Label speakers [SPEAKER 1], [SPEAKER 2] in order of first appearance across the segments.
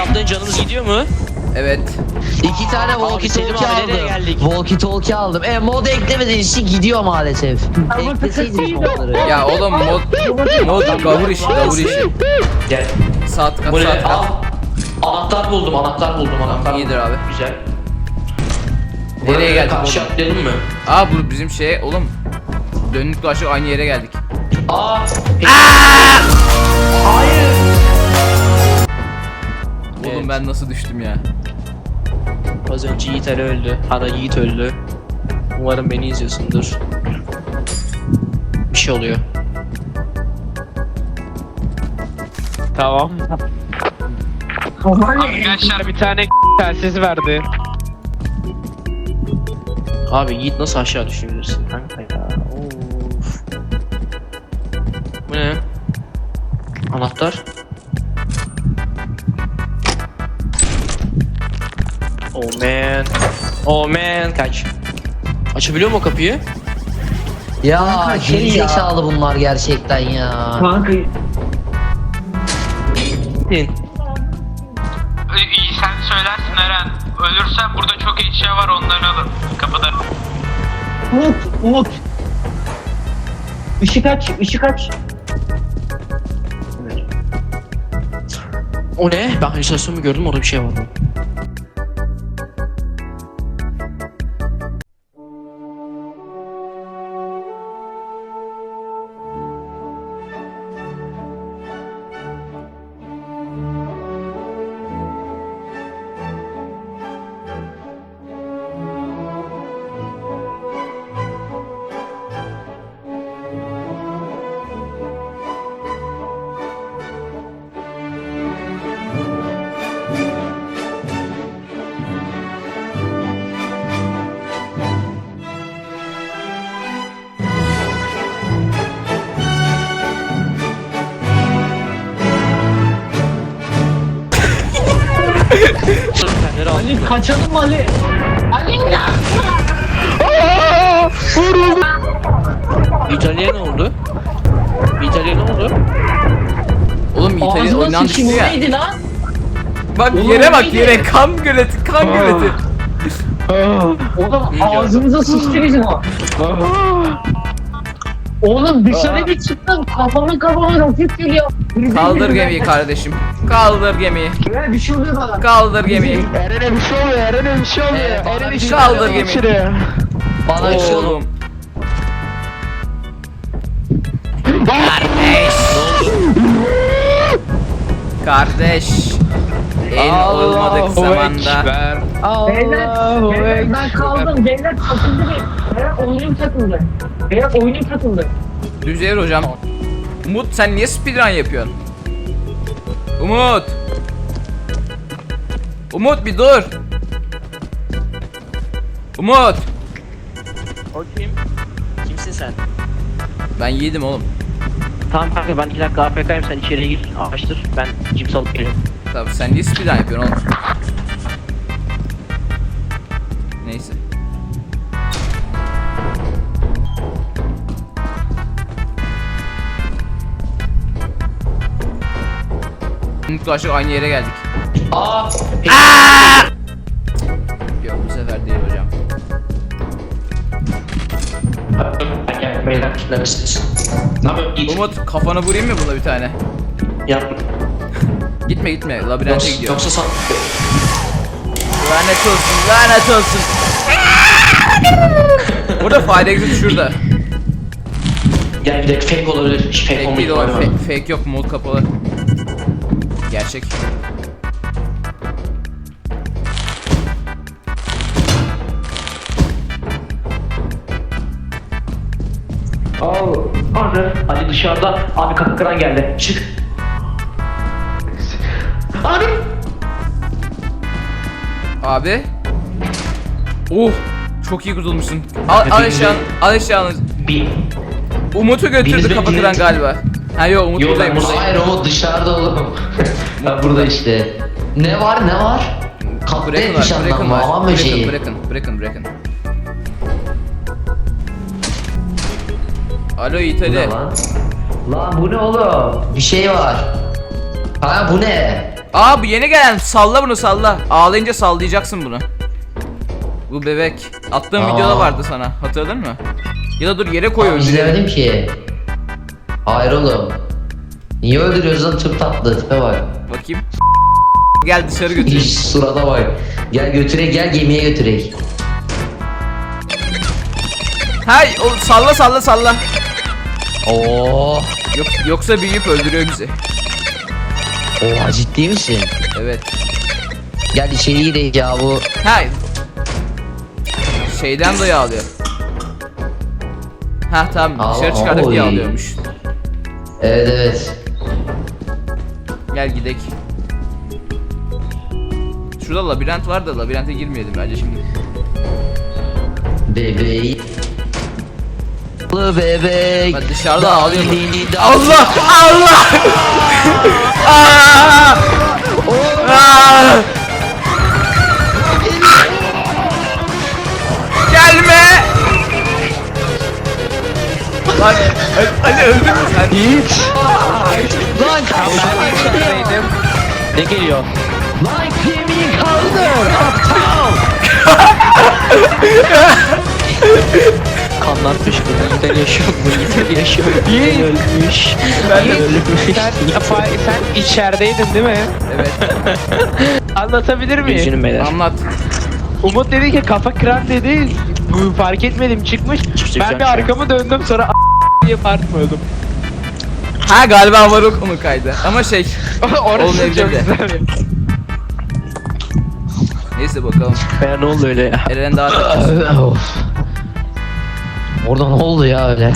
[SPEAKER 1] Kaptan canımız gidiyor mu?
[SPEAKER 2] Evet.
[SPEAKER 3] 2 tane walkie talkie aldım. Walkie talkie aldım. Mod eklemediğiniz için gidiyor maalesef. Ekleseydiniz modları.
[SPEAKER 2] Ya oğlum mod gavur işi.
[SPEAKER 1] Gel.
[SPEAKER 2] Saat kat.
[SPEAKER 1] Anahtar buldum.
[SPEAKER 2] İyidir abi.
[SPEAKER 1] Güzel.
[SPEAKER 2] Nereye geldik
[SPEAKER 1] Karşı
[SPEAKER 2] oğlum?
[SPEAKER 1] atlayalım mı?
[SPEAKER 2] Bu bizim oğlum. Dönük dolaşık aynı yere geldik.
[SPEAKER 1] Hayır.
[SPEAKER 2] Oğlum
[SPEAKER 1] Evet.
[SPEAKER 2] ben nasıl düştüm ya?
[SPEAKER 1] Az önce Yiğit Ali öldü. Yiğit öldü. Umarım beni izliyorsundur. Bir şey oluyor.
[SPEAKER 4] Tamam. Arkadaşlar bir tane telsiz verdi.
[SPEAKER 1] Abi Yiğit nasıl aşağı düşebilirsin kanka ya? Of. Bu ne? Anahtar. Oh man. Kaç. Açabiliyor mu o kapıyı?
[SPEAKER 3] Ya gerizekalı bunlar gerçekten ya.
[SPEAKER 1] İn.
[SPEAKER 4] İyi sen söylersin Eren. Ölürsen burada çok eşya var onları alın. Kapıda.
[SPEAKER 5] Umut. Işık aç.
[SPEAKER 1] O ne? Ben halüsinasyon mu gördüm? Orada bir şey vardı.
[SPEAKER 5] Ali kaçalım Ali.
[SPEAKER 1] İtalya ne oldu?
[SPEAKER 2] Oğlum İtalya
[SPEAKER 5] Ağzına
[SPEAKER 2] oyundan düştü
[SPEAKER 5] sıçayım o
[SPEAKER 2] ya.
[SPEAKER 5] neydi lan?
[SPEAKER 2] Bak
[SPEAKER 5] Oğlum,
[SPEAKER 2] yere bak
[SPEAKER 5] neydi?
[SPEAKER 2] yere kan göleti.
[SPEAKER 5] Oğlum ağzımıza sıçtı bizim o. Oğlum dışarı bir çıktım kafama roket geliyor.
[SPEAKER 2] Kaldır gemiyi kardeşim. Kaldır gemiyi.
[SPEAKER 5] Ya bir şey oluyor bana.
[SPEAKER 2] Kaldır gemiyi.
[SPEAKER 4] Eren'e bir şey oluyor. Eren'e bir şey oluyor.
[SPEAKER 3] bana bir şey
[SPEAKER 2] Kaldır
[SPEAKER 3] oluyor.
[SPEAKER 2] gemiyi.
[SPEAKER 3] Bana bir şey oldu.
[SPEAKER 2] Oğlum. Kardeş. En olmadık zamanda.
[SPEAKER 5] Beyler ben kaldım. Beyler takıldı bir. Beyler oyunum takıldı.
[SPEAKER 2] Düzeyir hocam. Umut sen niye speedrun yapıyorsun? Umut bir dur. Umut.
[SPEAKER 1] O kim? Kimsin sen?
[SPEAKER 2] Ben yedim oğlum.
[SPEAKER 1] Tamam kanka ben 2 dakika AFK'yim sen içeriye gir açtır ben cips alıp geliyorum.
[SPEAKER 2] Tamam sen niye speedrun yapıyorsun oğlum? Neyse. Umut'la aşık aynı yere geldik. Yok bu sefer değil hocam.
[SPEAKER 1] Gel beyler kitlemişsiniz. Ne yapıyorsun? Git.
[SPEAKER 2] Umut kafanı vurayım mı buna bir tane?
[SPEAKER 1] Yap.
[SPEAKER 2] Gitme labirente gidiyor.
[SPEAKER 1] Yoksa san...
[SPEAKER 2] Lanet olsun. Burada fire exit şurada.
[SPEAKER 1] Gel bir de fake olabilir. Hiç fake
[SPEAKER 2] Fake
[SPEAKER 1] olma
[SPEAKER 2] değil o.
[SPEAKER 1] ihtimali var.
[SPEAKER 2] Fake yok, mod kapalı. Gerçek.
[SPEAKER 1] Ali dışarıda. Abi kapı kıran geldi. Çık. Abi.
[SPEAKER 2] Abi. Çok iyi kurtulmuşsun. Al eşyanı.
[SPEAKER 1] Bir.
[SPEAKER 2] Umut'u götürdü
[SPEAKER 1] Biriniz
[SPEAKER 2] kapı kıran galiba. Ha yok Umut
[SPEAKER 1] Yok,
[SPEAKER 2] buradayım.
[SPEAKER 1] ben buradayım.
[SPEAKER 3] Hayır o dışarıda oğlum. Ben burada işte. Ne var? Kapta
[SPEAKER 2] Bırakın
[SPEAKER 3] etmiş
[SPEAKER 2] var, bırakın
[SPEAKER 3] anlamı.
[SPEAKER 2] var.
[SPEAKER 3] Aman böceği.
[SPEAKER 2] Bırakın. Alo
[SPEAKER 3] Bu
[SPEAKER 2] İtali.
[SPEAKER 3] ne lan? Lan bu ne oğlum? Bir şey var. Ha bu ne?
[SPEAKER 2] Aa bu yeni gelen. Salla bunu salla. Ağlayınca sallayacaksın bunu. Bu bebek. Attığım
[SPEAKER 3] Aa.
[SPEAKER 2] videoda vardı sana. Hatırladın mı? Ya da dur yere koy öldürelim.
[SPEAKER 3] İzlemedim ki. Hayır oğlum. Niye öldürüyorsun lan, çok tatlı tipe bak.
[SPEAKER 2] Bakayım. Gel dışarı götür.
[SPEAKER 3] İş surata bak. Gel götürek, gel gemiye götürek.
[SPEAKER 2] Hay o salla salla salla.
[SPEAKER 3] Oo.
[SPEAKER 2] Yoksa büyüyüp öldürüyor bizi.
[SPEAKER 3] Oha, ciddi misin?
[SPEAKER 2] Evet.
[SPEAKER 3] Gel içeri girek ya bu.
[SPEAKER 2] Hay. Şeyden dolayı ağlıyor. Ha tamam
[SPEAKER 3] Aa,
[SPEAKER 2] dışarı çıkardık diye
[SPEAKER 3] oy.
[SPEAKER 2] ağlıyormuş.
[SPEAKER 3] Evet evet.
[SPEAKER 2] Gel gidek. Şurada labirent var da labirente girmeyelim bence şimdi.
[SPEAKER 3] Bebeği. Bebek.
[SPEAKER 2] Ben dışarıda ağlıyorum.
[SPEAKER 3] Dili
[SPEAKER 2] Allah! Allah! Aa! Aa! Gelme! Lan Ali öldün mü sen?
[SPEAKER 3] Lan
[SPEAKER 1] Neredeydim? Ne geliyor?
[SPEAKER 3] Lan gemiyi kaldır. Aptal.
[SPEAKER 1] Kanlatmış bu. Yiğiter yaşıyor. Bu Yiğiter yaşıyor. Yiğit ölmüş.
[SPEAKER 2] Ben de
[SPEAKER 1] ölmüş.
[SPEAKER 6] Sen içerideydin değil mi?
[SPEAKER 2] Evet.
[SPEAKER 6] Anlatabilir miyim?
[SPEAKER 1] Üzgünüm beyler.
[SPEAKER 2] Anlat.
[SPEAKER 6] Umut dedi ki kafa kıran dedi. Bu fark etmedim çıkmış.
[SPEAKER 1] Çıkacağım
[SPEAKER 6] Ben bir
[SPEAKER 1] şu an.
[SPEAKER 6] arkamı döndüm sonra diye bağırmıyordum.
[SPEAKER 2] Ha galiba Varuk onu kaydı. Ama şey.
[SPEAKER 6] Orası
[SPEAKER 2] Olmayabilir
[SPEAKER 6] çok
[SPEAKER 2] de.
[SPEAKER 6] güzel.
[SPEAKER 2] Neyse bakalım.
[SPEAKER 1] Ya ne oldu öyle ya?
[SPEAKER 2] Eren daha
[SPEAKER 3] Of. Orada ne oldu ya öyle?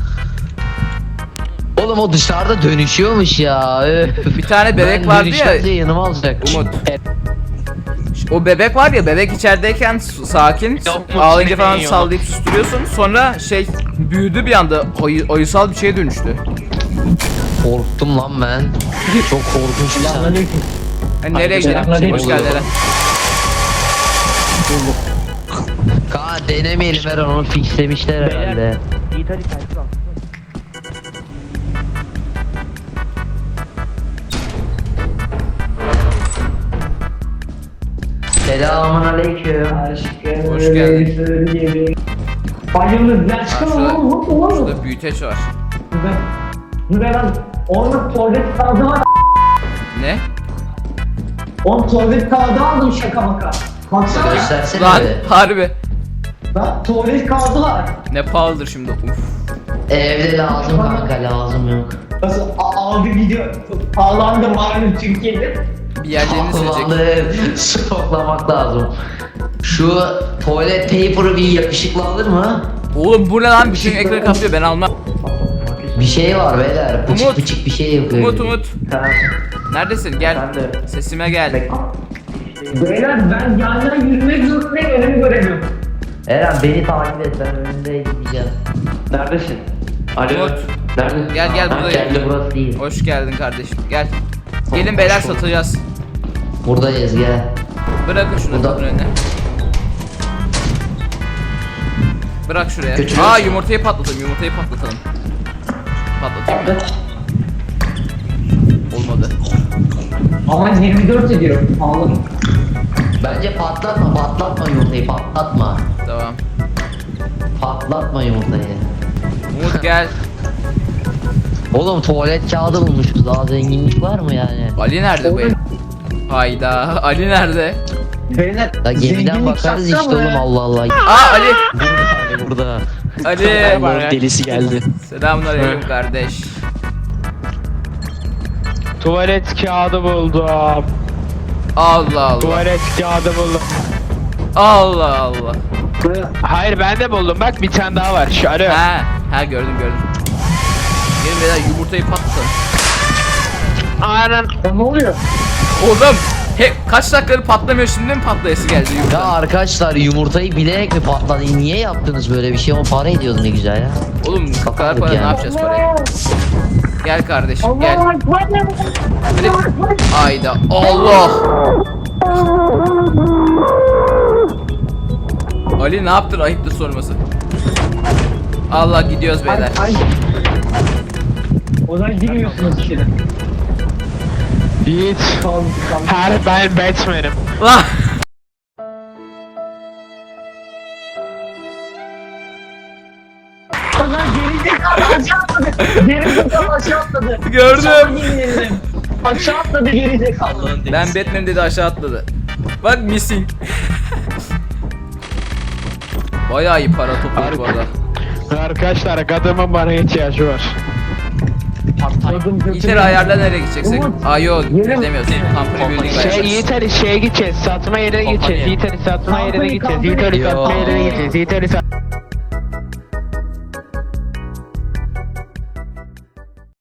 [SPEAKER 3] Oğlum o dışarıda dönüşüyormuş ya. Öf.
[SPEAKER 2] bir tane bebek
[SPEAKER 3] Ben
[SPEAKER 2] vardı
[SPEAKER 3] dönüşünce
[SPEAKER 2] ya.
[SPEAKER 3] yanıma alacak.
[SPEAKER 2] Umut. O bebek var ya, bebek içerideyken sakin, ağlayınca falan sallayıp susturuyorsun. Sonra şey büyüdü bir anda, ayısal bir şeye dönüştü.
[SPEAKER 3] Korktum lan ben. Çok korkunç.
[SPEAKER 2] Hani nereye gidelim? Hoş geldin Eren.
[SPEAKER 3] Kaan denemeyelim, ver onu fixlemişler herhalde. Selamun aleyküm.
[SPEAKER 2] Hoş geldin.
[SPEAKER 5] Bayılır.
[SPEAKER 2] Ha, şurada büyüteç var.
[SPEAKER 5] Ben onun tuvalet kağıdı var.
[SPEAKER 2] Ne?
[SPEAKER 5] Onun tuvalet kağıdı aldım şaka maka. Baksana.
[SPEAKER 3] Göstersene
[SPEAKER 2] Lan
[SPEAKER 3] be.
[SPEAKER 2] harbi.
[SPEAKER 5] Bak tuvalet kağıdı var.
[SPEAKER 2] Ne pahalıdır şimdi. Uf.
[SPEAKER 3] Evde lazım kanka, lazım yok.
[SPEAKER 5] Nasıl aldı gidiyor. Pahalandı malum Türkiye'de.
[SPEAKER 2] Bir yerlerini silecek.
[SPEAKER 3] Vallahi stoklamak lazım. Şu tuvalet paper'ı bir yakışıklı alır mı?
[SPEAKER 2] Oğlum bu ne lan? Bütün ekranı kaplıyor, ben almam.
[SPEAKER 3] Bir şey var beyler. Pıçık
[SPEAKER 2] Umut.
[SPEAKER 3] pıçık bir şey yapıyor.
[SPEAKER 2] Umut. Neredesin? Gel. Sesime gel.
[SPEAKER 5] Beyler ben yandan yürümek zorundayım, önümü göremiyorum.
[SPEAKER 3] Eren beni takip et, ben önünde gideceğim. Neredesin?
[SPEAKER 2] Umut.
[SPEAKER 3] Nerede?
[SPEAKER 2] Gel buradayım.
[SPEAKER 3] Geldi, burası değil.
[SPEAKER 2] Hoş geldin kardeşim. Gel. Gelin beyler, satacağız.
[SPEAKER 3] Buradayız, gel.
[SPEAKER 2] Bırakın şunu
[SPEAKER 3] Burada.
[SPEAKER 2] kapının önüne. Bırak şuraya.
[SPEAKER 3] Götürüyorsun.
[SPEAKER 2] Aa yumurtayı patlatalım. Patlatayım mı? Olmadı.
[SPEAKER 5] Ama 24 ediyor. Pahalı.
[SPEAKER 3] Bence patlatma yumurtayı, patlatma.
[SPEAKER 2] Tamam.
[SPEAKER 3] Patlatma yumurtayı.
[SPEAKER 2] Umut gel.
[SPEAKER 3] Oğlum tuvalet kağıdı bulmuşuz, daha zenginlik var mı yani?
[SPEAKER 2] Ali nerede bu el? Hayda. Ali nerede?
[SPEAKER 5] Beyler
[SPEAKER 3] Ya gemiden bakarız işte oğlum, Allah Allah.
[SPEAKER 2] Aa Ali.
[SPEAKER 3] Burada.
[SPEAKER 2] Ali.
[SPEAKER 1] Allah'ın delisi geldi.
[SPEAKER 2] Selamünaleyküm kardeş.
[SPEAKER 6] Tuvalet kağıdı buldum.
[SPEAKER 2] Allah Allah.
[SPEAKER 6] Tuvalet kağıdı buldum.
[SPEAKER 2] Allah Allah.
[SPEAKER 6] Hayır ben de buldum. Bak bir tane daha var. Şu alo.
[SPEAKER 2] Ha gördüm. Gelin beyler yumurtayı patlatalım.
[SPEAKER 6] Aynen.
[SPEAKER 5] Ne oluyor?
[SPEAKER 2] Oğlum kaç dakikadır patlamıyor, şimdi mi patlayası geldi
[SPEAKER 3] Ya
[SPEAKER 2] yumurta?
[SPEAKER 3] arkadaşlar, yumurtayı bilerek mi patladı? Niye yaptınız böyle bir şey? O para ediyordu ne güzel ya.
[SPEAKER 2] Oğlum bu kadar
[SPEAKER 3] Kapandık
[SPEAKER 2] para
[SPEAKER 3] yani.
[SPEAKER 2] ne yapacağız parayı? Gel kardeşim gel.
[SPEAKER 5] Allah Ekber.
[SPEAKER 2] Ayda Allah. Ali ne yaptın, ayıptır sorması. Allah gidiyoruz beyler.
[SPEAKER 5] O zaman girmiyorsunuz içeri.
[SPEAKER 6] Yiğit. Ben Batman'im.
[SPEAKER 2] Lan.
[SPEAKER 5] Lan gerizekalı aşağı atladı. Gerizekalı aşağı atladı.
[SPEAKER 2] Gördüm.
[SPEAKER 5] Sana yemin ederim. Aşağı atladı gerizekalı.
[SPEAKER 1] Allah'ın denizi.
[SPEAKER 2] Ben Batman dedi aşağı atladı. Bak missing. Bayağı iyi para topladık bu arada.
[SPEAKER 6] Arkadaşlar adamın bana ihtiyacı var.
[SPEAKER 2] İter ayarla nereye gideceksek?
[SPEAKER 5] Umut,
[SPEAKER 2] Aa yok
[SPEAKER 5] yerim.
[SPEAKER 2] demiyorsun. Company building ayarla.
[SPEAKER 6] Yiğit Ali şeye gideceğiz. Satma yerine gideceğiz. Yiğit Ali satma yerine gideceğiz. Yiğit Ali satma yerine gideceğiz. Yiğit Ali